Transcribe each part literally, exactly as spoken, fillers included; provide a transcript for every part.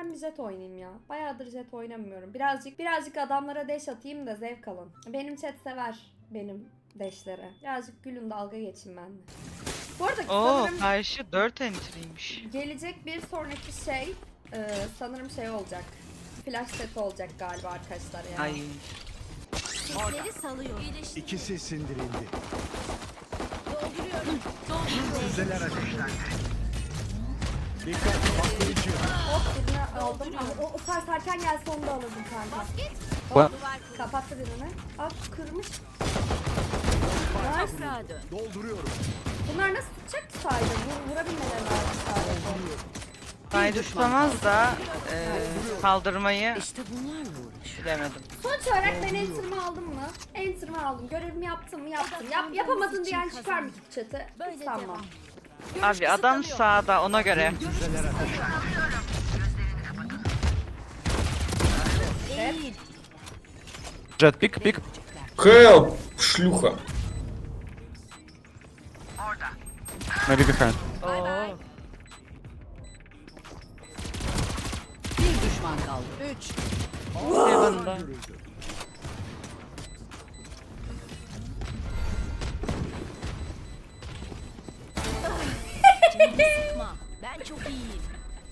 ben bir jet oynayayım ya. Bayağıdır jet oynamıyorum. Birazcık birazcık adamlara deş atayım da zevk alın. Benim chat sever benim deşlere. Birazcık gülün, dalga geçin benimle. Bu arada Oo, sanırım karşı dört entry'ymiş. gelecek bir sonraki şey e, sanırım şey olacak. Flash set olacak galiba arkadaşlar ya. Ay. Sesleri salıyor. İyileşti. İkisi sindirildi. Dolduruyorum. Dolduruyorum. Füzeler ateşlendi. Dikkat, patlayıcı. Hop birini aldım ama o, o sarsarken gelse onu da alırdım kanka. What? Kapattı birini. Aa kırmış. Nice. Toprağa dön. Dolduruyorum. Bunlar nasıl tutacak ki sadece? Vur, vurabilmeleri lazım sadece. Kaydı tutamaz da e, kaldırmayı İşte bunlarla uğraş. bilemedim. Sonuç olarak ben enter'ımı aldım mı? Enter'ımı aldım. Görevimi yaptım mı? Yaptım. Yap, yapamadın diyen çıkar mı chat'e? Hiç sanmam. Abi adam sağda, ona göre. Füzeler ateşlendi. Eğil. Jet, pick, pick. Help! Шлюха. Maybe behind. Oo. Bir düşman kaldı. Üç. Heaven'da. Canımı sıkma. Ben çok iyiyim.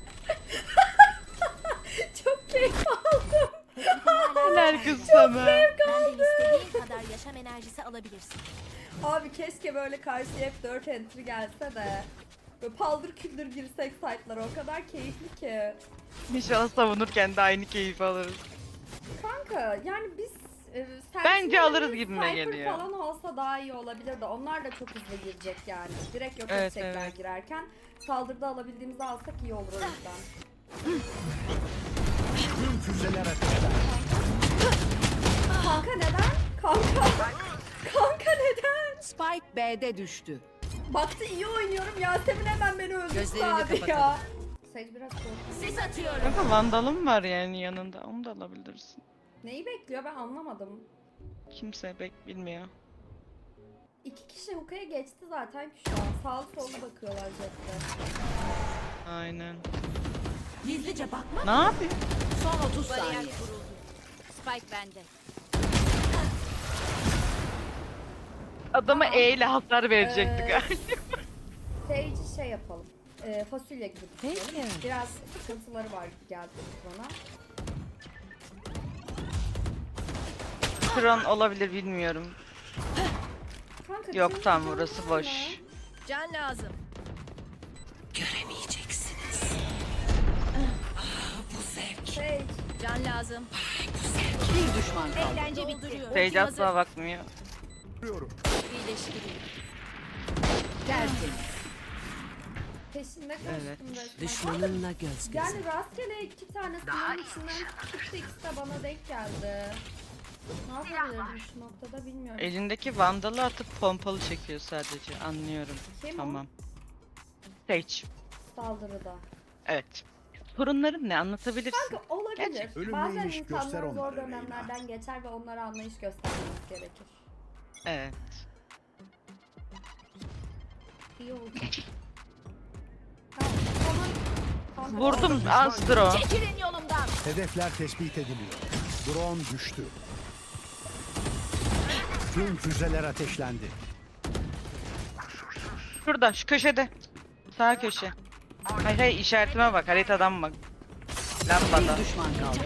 Çok keyif aldım. Helal kız sana. Benden istediğin kadar yaşam enerjisi alabilirsin. Abi keşke böyle karşıya hep dört entry gelse de. Böyle paldır küldür girsek site'lara, o kadar keyifli ki. İnşallah savunurken de aynı keyif alırız. Kanka yani biz e, Bence Sentinel'in alırız gibime Cypher geliyor. falan olsa daha iyi olabilir de onlar da çok hızlı girecek yani. Direkt yok Evet, edecekler evet. girerken. Saldırıda alabildiğimizi alsak iyi olur o yüzden. Tüm füzeler ateşlendi. Kanka neden? Kanka. Kanka neden? Spike B'de düştü. Baktı iyi oynuyorum, Yasemin hemen beni öldürdü Gözlerini abi ya. kapatalım. Sage biraz korktu. Sis atıyorum. Kanka vandalım var yani yanında, onu da alabilirsin. Neyi bekliyor ben anlamadım. Kimse bek bilmiyor. İki kişi hookaya geçti zaten ki şu an. Sağlı sollu bakıyorlar jette. Aynen. Gizlice bakma. Ne yapayım? Son otuz saniye. Spike bende. Adama E ile hasar verecektik. Ee, Sage'i şey yapalım. Ee, fasulye gibi düşünelim. Peki. Biraz sıkıntıları var gibi geldi bana. Kron olabilir bilmiyorum. Kanka, Yok canım- tam canım burası var boş. mı? Can lazım. Göremeyeceksiniz. Sage. Can lazım. Bir düşman kaldı. Eğlence bitti. Sage asla bakmıyor. Dolduruyorum. İyileştireyim. Tertemiz. Peşinde koştum Evet. resmen. Düşmanınla göz göze. Yani rastgele iki tane sınavın içinden çıktı, ikisi de bana denk geldi. Ne yapabilirim şu noktada bilmiyorum. Elindeki vandalı atıp pompalı çekiyor sadece. Anlıyorum. Kim o? Tamam. Sage. Saldırıda. Evet. Sorunların ne, anlatabilirsin? Kanka olabilir. Gerçekten. Ölüm Bazen neymiş göster insanlar zor onlara dönemlerden geçer ve onlara anlayış göstermemiz gerekir. Evet. İyi oldu. Tamam, tamam. Kanka, Vurdum Astro. Çekilin yolumdan. Hedefler tespit ediliyor. Drone düştü. Tüm füzeler ateşlendi. Şurada, şu köşede. Sağ köşe. Hayır hayır, işaretime bak, haritadan bak. Lambada. Bir düşman kaldı.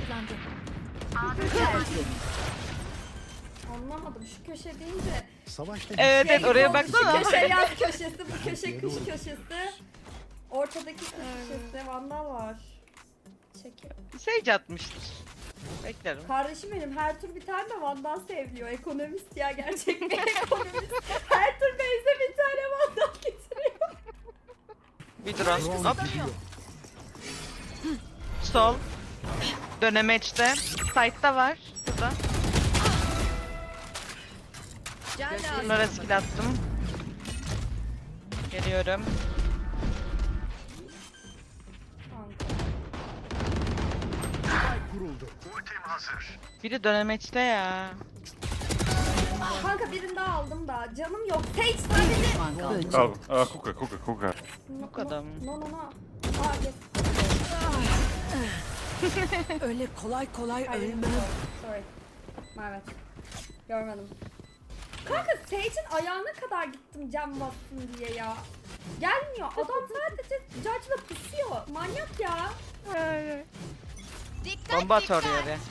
Anlamadım şu köşe deyince. Savaşta Evet evet, oraya Şu baksana. köşe yaz köşesi, bu köşe kış köşesi. Ortadaki kış köşesi, vandal var. Çekil. Sage atmıştır. Beklerim. Kardeşim benim her tur bir tane de vandal seviliyor. Ekonomist ya, gerçek bir ekonomist. Her tur base'e bir tane vandal getiriyor. Bir drone. drone Hop. gidiyor. Sol. Dönemeçte. Side'da var. Burada. Can lazım. Bunlara skill attım. Geliyorum. Kanka. Ay kuruldu. Biri dönemeçte ya. Kanka birini daha aldım da canım yok. Sage Bir sadece. düşman kaldı. Oh, uh, hookah, hookah, hookah. No, Bu kadar mı? No no no. Aa yes. Öyle kolay kolay Hayır, ölmem. sorry. Evet. Görmedim. Kanka Sage'in ayağına kadar gittim cam bassın diye ya. Gelmiyor. Adam sadece Judge'la pusuyor. Manyak ya. Bomba at oraya be.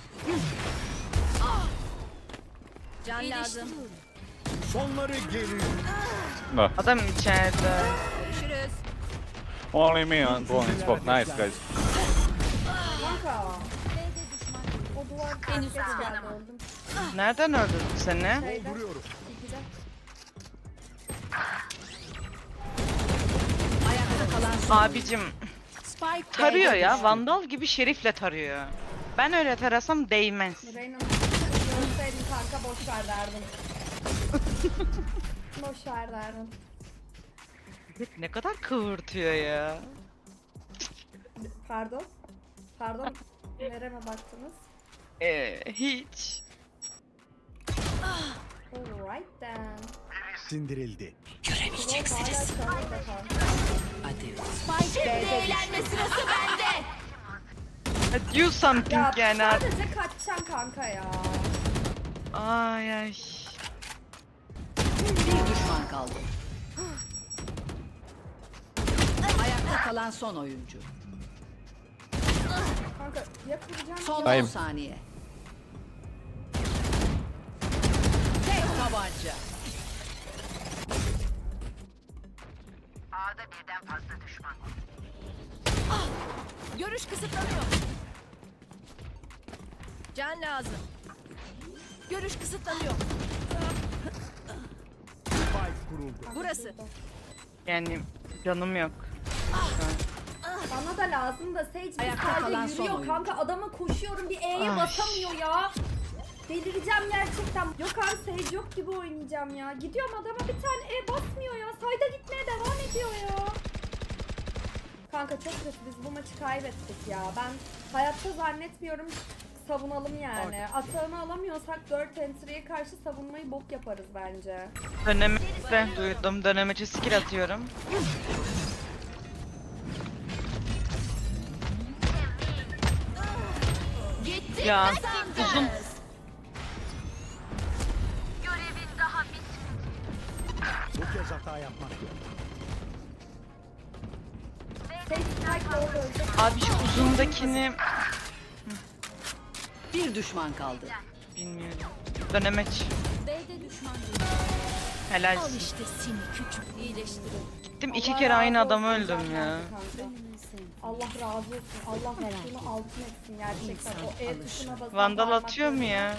Can lazım. Sonları geliyor. No. Adam içeride. Görüşürüz. Only me on blowing smoke. Nice guys. Kanka. O duvar henüz geldi öldüm. Nereden öldürdü seni? Şeyde. Duruyorum. İkide. Ayakta kalan son. Abicim Spike tarıyor B'de ya. düştü. Vandal gibi şerifle tarıyor. Ben öyle tarasam değmez. Reyna'nın görseydin kanka boş ver derdim. Boş ver derdim. Ne kadar kıvırtıyor ya. Pardon. Pardon. Nereme baktınız? Ee, hiç. Alright then. Sindirildi. Göremeyeceksiniz. Hala çağırdı kanka. Hadi. Spike B'de düştü. Do something Ya yani artık. sadece kaçacaksın kanka ya. Ay ay. Bir düşman kaldı. Ayakta kalan son oyuncu. Kanka ya kıracağım Son ya. on Bayım. saniye. Tek tabanca. Ah! Görüş kısıtlanıyor. Can lazım. Görüş kısıtlanıyor. Spike kuruldu. Burası. Yani canım yok. Bana da lazım da Sage bir Ayakta kalan sadece son yürüyor oyuncu. kanka. Adama koşuyorum bir E'ye Ay. basamıyor ya. Delireceğim gerçekten. Yok abi Sage yok gibi oynayacağım ya. Gidiyorum adama bir tane E basmıyor ya. Sayda gitmeye devam ediyor ya. Kanka çok kötü, biz bu maçı kaybettik ya. Ben hayatta zannetmiyorum savunalım yani. Atağını alamıyorsak dört entry'ye karşı savunmayı bok yaparız bence. Dönemeçte duydum. Dönemeçe skill atıyorum. Ya uzun. Bu kez hata yapmak yok. Sage strike orada ölecek. Abi şu uzundakini Bir düşman kaldı. bilmiyorum. Dönemeç. B'de düşman Helal. işte seni küçük iyileştirin. Gittim iki Allah kere razı aynı olsun adamı öldüm senden ya. kanka. Allah razı olsun. Allah hakkını altın etsin gerçekten. O E tuşuna basan Vandal parmaklarını- atıyor mu ya?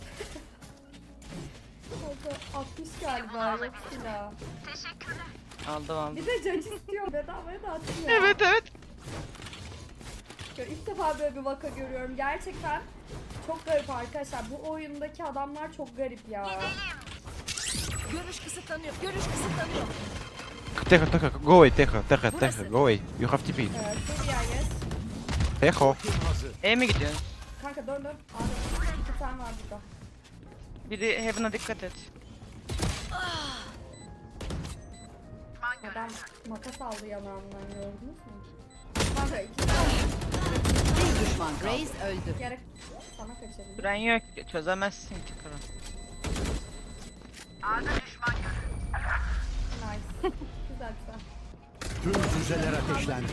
Kanka altmış galiba yok silah. Aldım aldım. Bir de judge istiyor bedavaya da atıyor. Evet evet. Ya İlk defa böyle bir vaka görüyorum. Gerçekten çok garip arkadaşlar. Bu oyundaki adamlar çok garip ya. Görüş kısıtlanıyor. Görüş kısıtlanıyor. Tejo, Tejo, go away, Tejo, Tejo, Tejo, go away. You have T P. Evet, dur ya yes. Tejo. Kim hazır? E mi gidiyorsun? Kanka dön dön. Abi iki tane var burada. Biri Heaven'a dikkat et. Adam makas aldı yanağımdan gördünüz mü? Kanka iki tane Bir düşman kaldı. Reis öldü. gerek sana kaçırdım. Süren yok. Çözemezsin ki kral. Nice. güzel güzel. Tüm füzeler ateşlendi.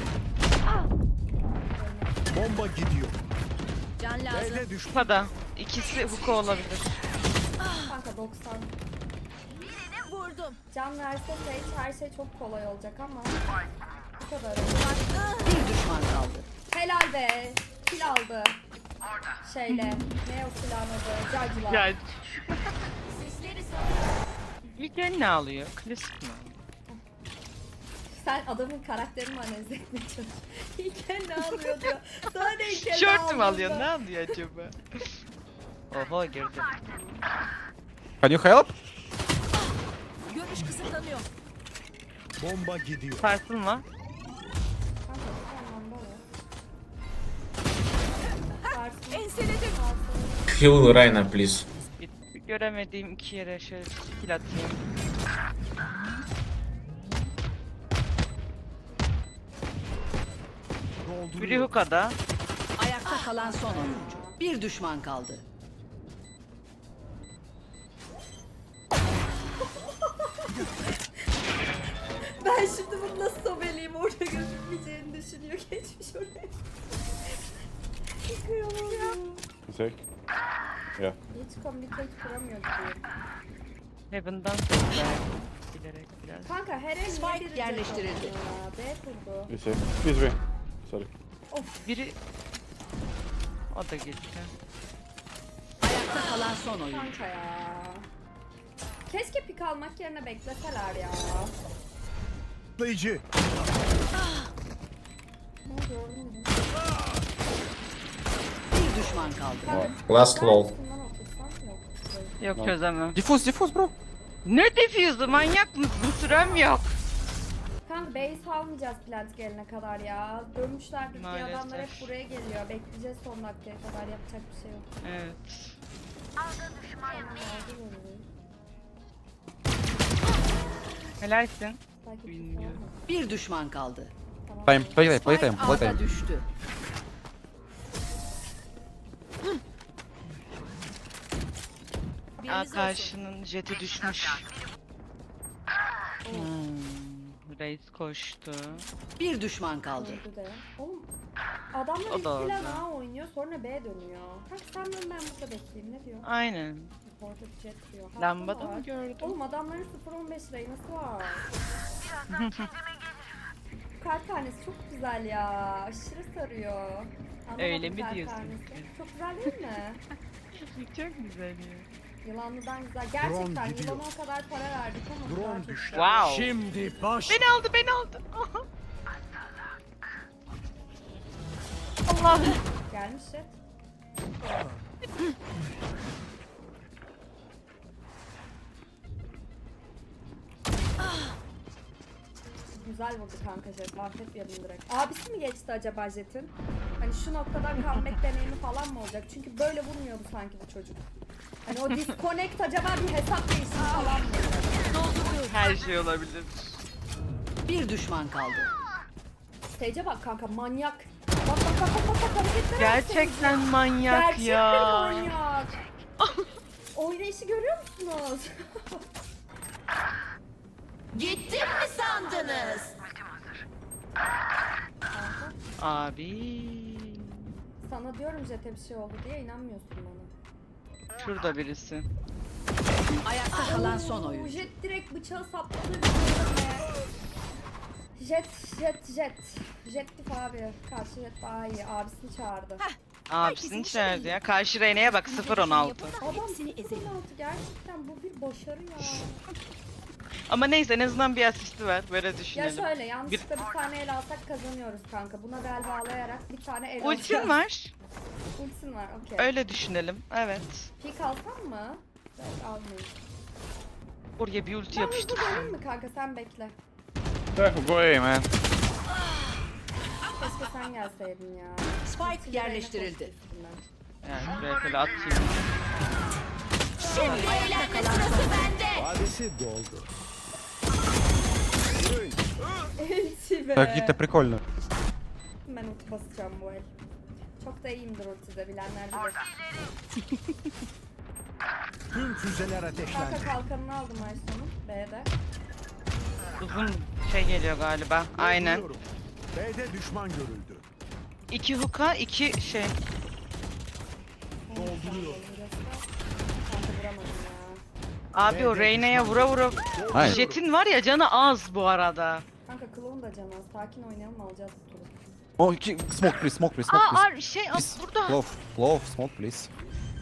Bomba gidiyor. Can lazım. B'de düşman. Kupada. İkisi Huko olabilir. Kanka doksan. Vurdum. Can verse Sage her şey çok kolay olacak ama bu kadar. Bir düşman kaldı. Helal be. Kill aldı. Şeyle. Ne o silahın adı? Judge'la. Ya. İlk el ne alıyor? Klasik mi? Sen adamın karakterini analiz etmeye çalışıyorsun. İlk el ne alıyor diyor. Sana ne ilk el ne Tişört mü aldığında. alıyor? Ne alıyor acaba? Oho girdi. Can you help? Görüş kısıtlanıyor. Bomba gidiyor. Sarsılma. Kanka bu anlamda o. Varsın. Enseledim. Varsın. Heal Reyna, please. Git, göremediğim iki yere şöyle skill atayım. Dolduruyor. Biri Huka'da. Ayakta kalan son oyuncu. Bir düşman kaldı. Ben şimdi bunu nasıl sobeleyim, orada gözükmeyeceğini düşünüyor. Geçmiş oraya. Kıyamam ya. Say? Yeah. Hiç communicate kuramıyor gibi. Heaven'dan sesler. Bilerek biraz. Kanka her el Spike niye bir yerleştirildi. reject atıyor ya? B kurdu. You say? This way. Sorry. Biri... O da gitti. Ayakta kalan son oyuncu. Kanka ya. Keşke pik almak yerine bekleseler ya. Patlayıcı. Ne gördün mü? Bir düşman kaldı. Kanka, Last ben lol. üstünden otursam yok. Yok çözemem. Diffuse, diffuse bro. Ne defuse'u, manyak mısın? Sürem yok. Kanka base almayacağız plant gelene kadar ya. Dönmüşler bir Maalesef. adamlar hep buraya geliyor. Bekleyeceğiz son dakikaya kadar, yapacak bir şey yok. Evet. Helalsin. Belki Bilmiyorum. Bilmiyorum. Bir düşman kaldı. Tamam. Time, play time, play time, Spike play A'da time. düştü. Aa, karşının jeti düşmüş. Hmm, Reis koştu. Bir düşman kaldı. Öldü de. Oğlum adamlar O ilk da plan orada. A oynuyor, sonra B dönüyor. Kanka sen dön, ben burada bekleyeyim, ne diyor? Aynen. Orada jet diyor. Haklı Lambada var. mı gördün? Oğlum adamların sıfır on beş Reyna'sı var. Kart tanesi çok güzel ya. Aşırı sarıyor. Anlamadım Öyle mi kart diyorsun tanesi. ki? Çok güzel değil mi? Çok güzel ya. Yılanlıdan güzel. Gerçekten Drone gidiyor. yılana o kadar para verdik ama bu daha Drone çok düştü. güzel. Wow. Şimdi baş. Beni aldı, beni aldı. Allah. Gelmiş jet. Güzel vurdu kanka jet. Affetmeyelim direkt. Abisi mi geçti acaba jetin? Hani şu noktadan comeback deneyimi falan mı olacak? Çünkü böyle vurmuyordu sanki bu çocuk. Hani o disconnect acaba bir hesap değişimi falan mı? Her şey olabilir. Bir düşman kaldı. Stage'e bak kanka, manyak. Bak bak bak bak bak, bak hareketlere bak Gerçekten senin. manyak Gerçek ya. bir manyak. Oynayışı görüyor musunuz? Gittim mi sandınız? Abi. Sana diyorum jete bir şey oldu diye, inanmıyorsun bana. Şurada birisi. Ayakta kalan son Oo, oyuncu. jet direkt bıçağı sapladı birbirine. Jet, jet, jet. Jettif abi. Karşı jet daha iyi. Abisini çağırdı. Abisini çağırdı ya. Karşı Reyna'ya bak sıfır on altı. Adam sıfır altı, gerçekten bu bir başarı ya. Ama neyse en azından bir asisti var. Böyle Ya düşünelim. şöyle yanlışlıkla bir tane el alsak kazanıyoruz kanka. Buna bel bağlayarak bir tane el Ultin alacağız. var. Ultin var, okey. Öyle düşünelim. Evet. Pik alsam mı? Evet, almayayım. Oraya bir ulti Ben hızlı yapıştır. döneyim mi kanka, sen bekle. Go away man. Keşke sen gelseydin ya. Spike Ultiyle yerleştirildi. Reyna koştu üstünden. Yani şuraya böyle atayım. Eğlenme sırası bende. Vadesi doldu. Elçi be. Так, это прикольно. Ben ulti basacağım bu el. Çok da iyiyimdir ultide, bilenler bilir. Tüm füzeler ateşlendi. Kanka kalkanını aldım Aysun'un B'de. Uzun şey geliyor galiba. Aynen. Dolduruyorum. B'de düşman görüldü. İki hook'a iki şey. Dolduruyor. Kanka vuramadım ya. Abi o Reyna'ya vura vura. Hayır. Jet'in var ya canı az bu arada. Kanka Clown da canı az. Sakin oynayalım, alacağız bu turu. Oh, ki- smoke please, smoke please, smoke Aa, please. aa şey aa, Please. burada. Glove, glove, smoke please.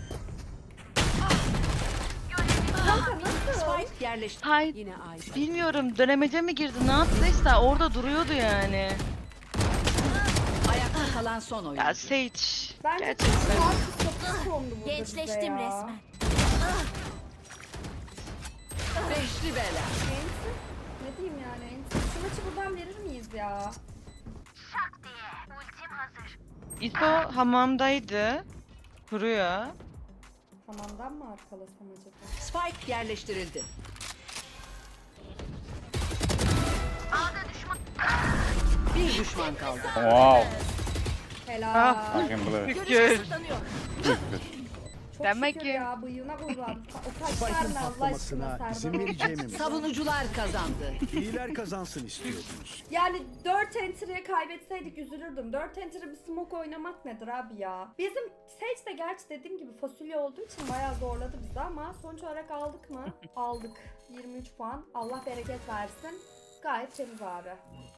Kanka nasıl? Spike yerleşti. Hay Yine ay. bilmiyorum dönemece mi girdi ne yaptıysa orada duruyordu yani. Ayakta kalan son oyuncu. Ya Sage. Bence Gerçekten. Marcus çok sondu burada Gençleştim bize ya. resmen. Beşli bela. Enti? Ne diyeyim yani? Enti. Şu maçı buradan verir miyiz ya? İso hamamdaydı. Kuruyor. Hamamdan mı arkalasam acaba? Spike yerleştirildi. Bir düşman kaldı. Wow. Helal. Ah. I can believe it. Şükür. Görüş kısıtlanıyor. Çok Demek şükür ki- ya bıyığına kurban. O kaç Spike'ın tane Allah aşkına patlamasına Serdar. izin vereceğimi mi? Savunucular kazandı. İyiler kazansın istiyordunuz. Yani dört entry'ye kaybetseydik üzülürdüm. dört entry bir smoke oynamak nedir abi ya? Bizim Sage de gerçi dediğim gibi fasulye olduğu için bayağı zorladı bizi ama sonuç olarak aldık mı? Aldık. yirmi üç puan. Allah bereket versin. Gayet temiz abi.